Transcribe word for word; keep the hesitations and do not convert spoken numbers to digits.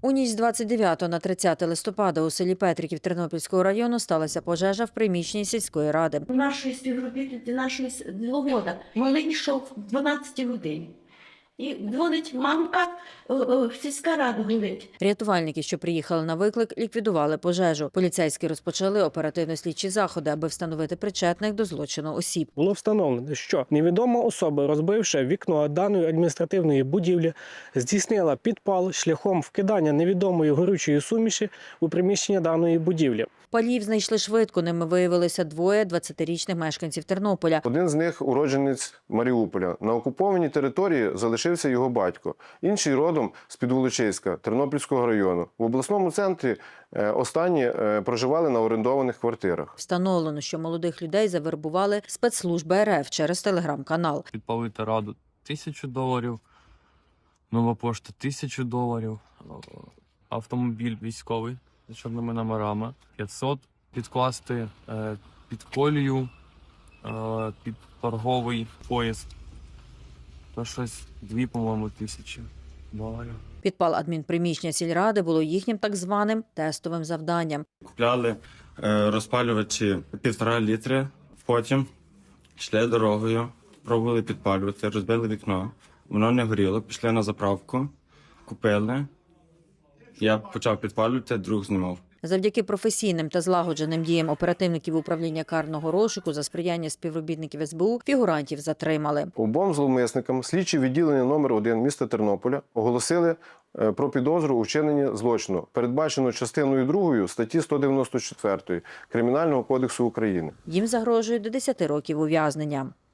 У ніч з двадцять дев'ятого на тридцяте листопада у селі Петриків Тернопільського району сталася пожежа в приміщенні сільської ради. Нашої співробітниці, нашої діловода, малий йшов в дванадцятій годині. І дзвонить мамка, сільська рада говорить. Рятувальники, що приїхали на виклик, ліквідували пожежу. Поліцейські розпочали оперативно-слідчі заходи, аби встановити причетних до злочину осіб. Було встановлено, що невідома особа, розбивши вікно даної адміністративної будівлі, здійснила підпал шляхом вкидання невідомої горючої суміші у приміщення даної будівлі. Палів знайшли швидко, ними виявилося двоє двадцятирічних мешканців Тернополя. Один з них – уродженець Маріуполя. На окупованій території залишився його батько. Інший родом з-під Волочиська, Тернопільського району. В обласному центрі останні проживали на орендованих квартирах. Встановлено, що молодих людей завербували спецслужби ер еф через телеграм-канал. Підпалити раду – тисячу доларів, нова пошта – тисячу доларів, автомобіль військовий з чорними номерами – п'ятсот, підкласти е, під колію, е, під торговий поїзд – то щось дві, по-моєму, тисячі доларів. Підпал адмінприміщення сільради було їхнім так званим тестовим завданням. Купляли е, розпалювачі півтора літри, потім йшли дорогою, пробували підпалювати, розбили вікно, воно не горіло, пішли на заправку, купили, я почав підпалювати, друг знімав. Завдяки професійним та злагодженим діям оперативників управління карного розшуку за сприяння співробітників ес бе у фігурантів затримали. Обом зловмисникам слідчі відділення номер один міста Тернополя оголосили про підозру у вчиненні злочину, передбачено частиною другою статті сто дев'яносто чотири Кримінального кодексу України. Їм загрожує до десяти років ув'язнення.